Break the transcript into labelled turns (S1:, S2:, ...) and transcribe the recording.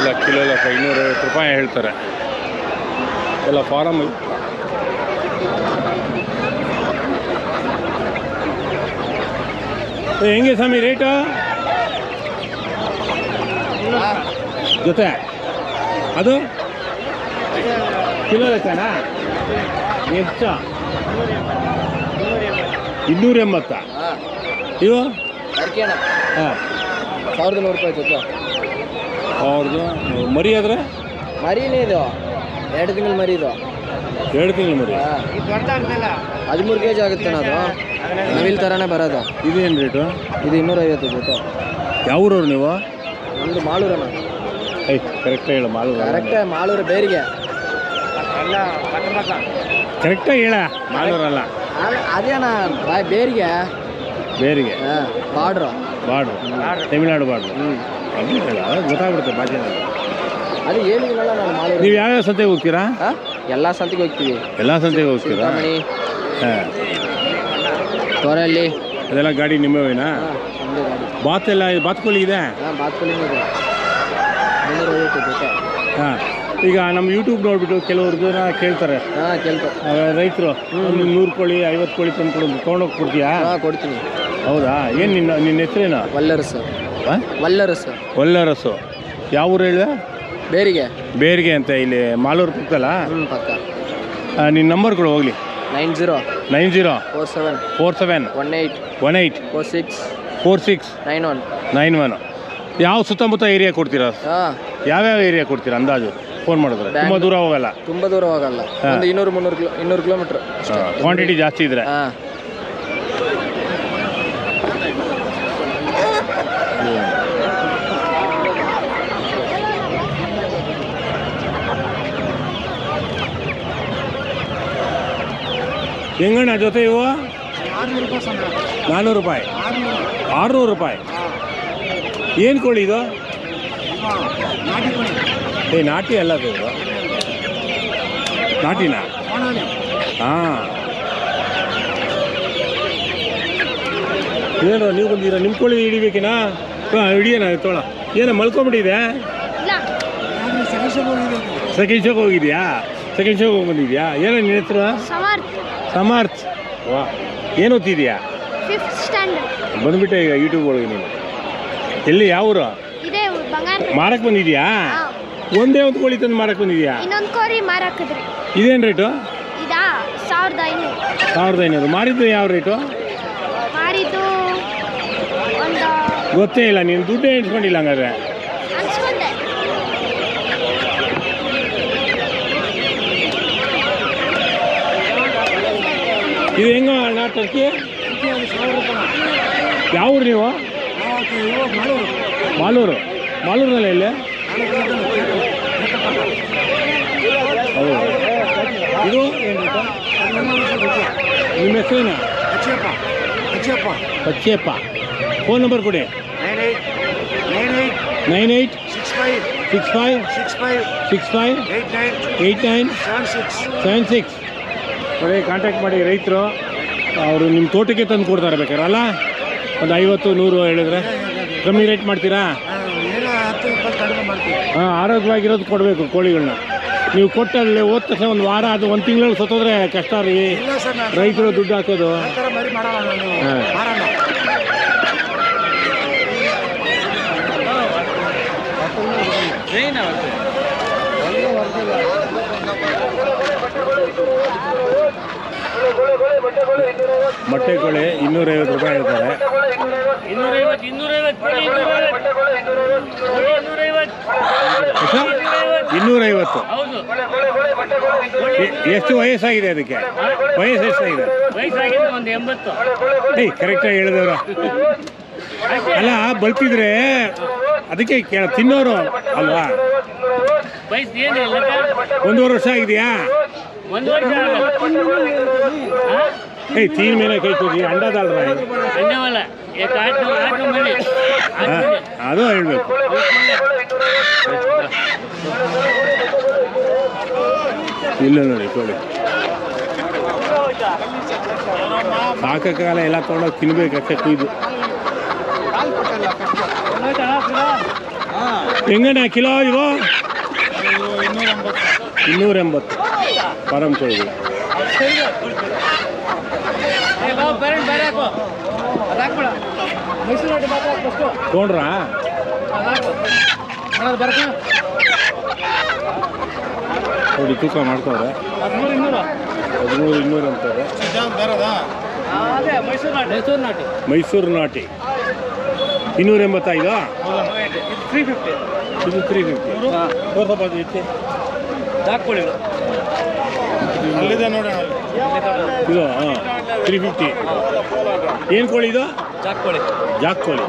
S1: ಇಲ್ಲ ಕಿಲೋ ಲೆಕ್ಕ 250 ರೂಪಾಯಿ ಹೇಳ್ತಾರೆ ಎಲ್ಲ ಫಾರಮ್. ಹೆಂಗೆ ಸ್ವಾಮಿ ರೇಟು ಜೊತೆ ಅದು ಕಿಲೋ ಲೆಕ್ಕನಾ ಎಷ್ಟು 280 ಇವು ಹಾಂ
S2: 1100 ರೂಪಾಯಿ ಜೊತೆ.
S1: ಅವ್ರದ್ದು ಮರಿ ಆದರೆ
S2: ಮರಿನೇ ಇದು 2 ತಿಂಗಳು ಮರಿ ಇದು.
S1: 2 ತಿಂಗಳು ಮರಿ
S2: 13 kg ಆಗುತ್ತೆ ಅದು. ನವಿಲ್ ಥರನೇ ಬರೋದು.
S1: ಇದೇನು ರೇಟು?
S2: ಇದು 250 ಜೊತೆ.
S1: ಯಾವ ಊರವ್ರು ನೀವು?
S2: ನಮ್ಮದು ಮಾಳೂರಣ್ಣ.
S1: ಕರೆಕ್ಟಾಗಿ ಹೇಳು ಮಾಲೂರು.
S2: ಕರೆಕ್ಟಾಗಿ ಮಾಳೂರು ಬೇರಿಗೆ.
S1: ಕರೆಕ್ಟಾಗಿ ಹೇಳ ಮಾಲೂರಲ್ಲ
S2: ಅದೇನಾ ಬಾಯ್ ಬೇರಿಗೆ.
S1: ಬೇರಿಗೆ
S2: ಬಾರ್ಡ್ರು
S1: ತಮಿಳ್ನಾಡು ಬಾರ್ಡ್ರು. ಅದು ಹೇಳ ಗೊತ್ತಾಗ್ಬಿಡುತ್ತೆ ಭಾಷೆ.
S2: ಅದು ಏನಿಲ್ಲ ನಾನು ಮಾಲೂರು.
S1: ನೀವು ಯಾವ್ಯಾವ ಸಂತೆಗೆ ಹೋಗ್ತೀರಾ?
S2: ಎಲ್ಲ ಸಂತೆಗೆ ಹೋಗ್ತೀವಿ.
S1: ಎಲ್ಲ ಸಂತೆಗೆ ಹೋಗ್ತೀರಾ? ಹಾಂ
S2: ತೋರಲ್ಲಿ
S1: ಅದೆಲ್ಲ ಗಾಡಿ ನಿಮ್ಮವೇನಾ? ಬಾತ್ ಎಲ್ಲ ಬಾತ್ಕೋಳಿ ಇದೆ?
S2: ಹಾಂ ಬಾತ್ಕೋಳಿನೂ ಇದೆ. 350 ಜೊತೆ. ಹಾಂ
S1: ಈಗ ನಮ್ಮ ಯೂಟ್ಯೂಬ್ ನೋಡಿಬಿಟ್ಟು ಕೆಲವ್ರು ಜನ ಕೇಳ್ತಾರೆ.
S2: ಹಾಂ ಕೇಳ್ತಾರೆ
S1: ರೈತರು 100 ಕೋಳಿ 50 ಕೋಳಿ ತಂದು ತೊಗೊಂಡೋಗಿ ಕೊಡ್ತೀಯಾ?
S2: ಹಾಂ ಕೊಡ್ತೀನಿ.
S1: ಹೌದಾ? ಏನು ನಿನ್ನ ಹೆಸರೇನು?
S2: ವಲ್ಲರಸು. ವಲ್ಲರಸು.
S1: ವಲ್ಲರಸು. ಯಾವ ಊರು ಹೇಳಿದೆ?
S2: ಬೇರಿಗೆ.
S1: ಬೇರಿಗೆ ಅಂತ ಇಲ್ಲಿ ಮಾಲೂರು ಪಕ್ಕಲ್ಲ?
S2: ಪಕ್ಕ.
S1: ನಿನ್ನ ನಂಬರ್ ಕೊಡು ಹೋಗಲಿ.
S2: 90 47
S1: 47 18 46 91. ಯಾವ ಸುತ್ತಮುತ್ತ ಏರಿಯಾ ಕೊಡ್ತೀರಾ? ಯಾವ್ಯಾವ ಏರಿಯಾ ಕೊಡ್ತೀರಾ ಅಂದಾಜು ಫೋನ್ ಮಾಡಿದ್ರೆ? ತುಂಬ ದೂರ ಹೋಗಲ್ಲ?
S2: ತುಂಬ ದೂರ ಹೋಗಲ್ಲ. ಒಂದು 200 ಕಿಲೋಮೀಟ್ರ್.
S1: ಕ್ವಾಂಟಿಟಿ ಜಾಸ್ತಿ ಇದ್ರೆ. ಹೆಂಗಣ್ಣ ಜೊತೆ ಇವು? 400 ರೂಪಾಯಿ 600 ರೂಪಾಯಿ. ಏನು ಕೋಳಿ ಇದು? ನಾಟಿ ಅಲ್ಲ ಅದು. ನಾಟಿನಾ? ಹಾಂ. ಏನು ನೀವು ಬಂದಿರ? ನಿಮ್ಮ ಕೋಳಿ ಹಿಡಿಬೇಕೇನಾ? ಹಿಡಿಯೋಣ ತೋಳ. ಏನೋ ಮಲ್ಕೊಂಬಿಟ್ಟಿದೆ? ಸೆಕೆಂಡ್ ಶೋಗೆ ಹೋಗಿದ್ಯಾ? ಸೆಕೆಂಡ್ ಶೋಗೆ ಹೋಗಿ ಬಂದಿದ್ಯಾ? ಏನೋ ನಿನ್ನ ಹೆಸರು? ಸಮರ್ಥ್. ವಾ, ಏನು ಓದ್ತಿದ್ಯಾ?
S3: 5th standard.
S1: ಬಂದ್ಬಿಟ್ಟೆ ಈಗ ಯೂಟ್ಯೂಬ್ ಒಳಗೆ ನೀನು. ಎಲ್ಲಿ ಯಾವ ಊರು? ಮಾರಕ್ಕೆ ಬಂದಿದ್ಯಾ? ಒಂದೇ ಒಂದು ಕೋಳಿ ತಂದು ಮಾರಕ್ಕೆ ಬಂದಿದ್ಯಾ?
S3: ಇನ್ನೊಂದು ಕೋಳಿ ಮಾರಾಕಿದ್ರಿ.
S1: ಇದೇನು ರೇಟು?
S3: ಇದಾ 1500.
S1: 1500. ಮಾರಿದ್ದು ಯಾವ ರೇಟು?
S3: ಮಾರಿದ್ದು ಒಂದು
S1: ಗೊತ್ತೇ ಇಲ್ಲ. ನೀನು ದುಡ್ಡೇ ಇಟ್ಕೊಂಡಿಲ್ಲ ಹಂಗಾದ್ರೆ.
S3: ಅನ್ಸ್ಕೊಂಡೆ.
S1: ಇದು ಹೆಂಗ ಅಣ್ಣ ಟರ್ಕಿ? ಯಾವ ಊರು ನೀವು? ಮಾಲೂರಿನಲ್ಲಿ ಎಲ್ಲಿ? ಹೌದು. ಇದು ಏನು ರೇಟು? ನಿಮ್ಮ ಹೆಸರೇನು? ಅಚ್ಚಪ್ಪ. ಫೋನ್ ನಂಬರ್ ಕೊಡಿ. 98 65 89 76. ನೋಡಿ, ಕಾಂಟ್ಯಾಕ್ಟ್ ಮಾಡಿ. ರೈತರು ಅವರು ನಿಮ್ಮ ತೋಟಕ್ಕೆ ತಂದು ಕೊಡ್ತಾರೆ ಬೇಕಾದ್ರೆ ಅಲ್ಲ? ಒಂದು 50 100 ಹೇಳಿದ್ರೆ ಕಮ್ಮಿ ರೇಟ್ ಮಾಡ್ತೀರಾ? ಹಾಂ, ಆರೋಗ್ಯವಾಗಿರೋದು ಕೊಡಬೇಕು ಕೋಳಿಗಳನ್ನ. ನೀವು ಕೊಟ್ಟಲ್ಲಿ ಹೋದ ತಕ್ಷಣ ಒಂದು ವಾರ ಅದು 1 ತಿಂಗಳಲ್ಲಿ ಸತ್ತೋದ್ರೆ ಕಷ್ಟ ರೀ. ರೈತರು ದುಡ್ಡು ಹಾಕೋದು. ಹಾಂ, ಮೊಟ್ಟೆ ಕೋಳಿ 250 ರೂಪಾಯಿ ಹೇಳ್ತಾರೆ. 250. ಎಷ್ಟು ವಯಸ್ಸಾಗಿದೆ ಅದಕ್ಕೆ? ವಯಸ್ಸು ಎಷ್ಟಾಗಿದೆ? ಕರೆಕ್ಟಾಗಿ ಹೇಳಿದವರು ಅಲ್ಲ, ಬಲ್ತಿದ್ರೆ ಅದಕ್ಕೆ ತಿನ್ನೋರು ಅಲ್ವಾ? 1.5 ವರ್ಷ ಆಗಿದೆಯಾ?
S3: 1 ವರ್ಷ.
S1: तीन महीने कई को अंडा डाल रहा है
S3: अंडे वाला एक 8 महीने
S1: ಅದು ಹೇಳಬೇಕು ಇಲ್ಲ ನೋಡಿ ಕೋಳಿ ಸಾಕಾಗಲ್ಲ ಎಲ್ಲ ತಗೊಂಡೋಗಿ ತಿನ್ಬೇಕು ಅಷ್ಟೇ ಕುಯ್ದು ಹೆಂಗಣ್ಣ ಕಿಲೋ ಇವು 280 ಫಾರಂ ಕೋಳಿಗಳು. ತೊಗೊಂಡ್ರಾ ನೋಡಿ ತೂಕ ಮಾಡ್ತವ್ರೆ 13,200 ಅಂತಾರೆ. ಮೈಸೂರು ನಾಟಿ 285 ಇದು 350 ಸ್ವಲ್ಪ ಇತ್ತು ಇದು ಹಾಂ 350. ಏನು ಕೋಳಿ ಇದು? ಜಾಕ್ ಕೋಳಿ.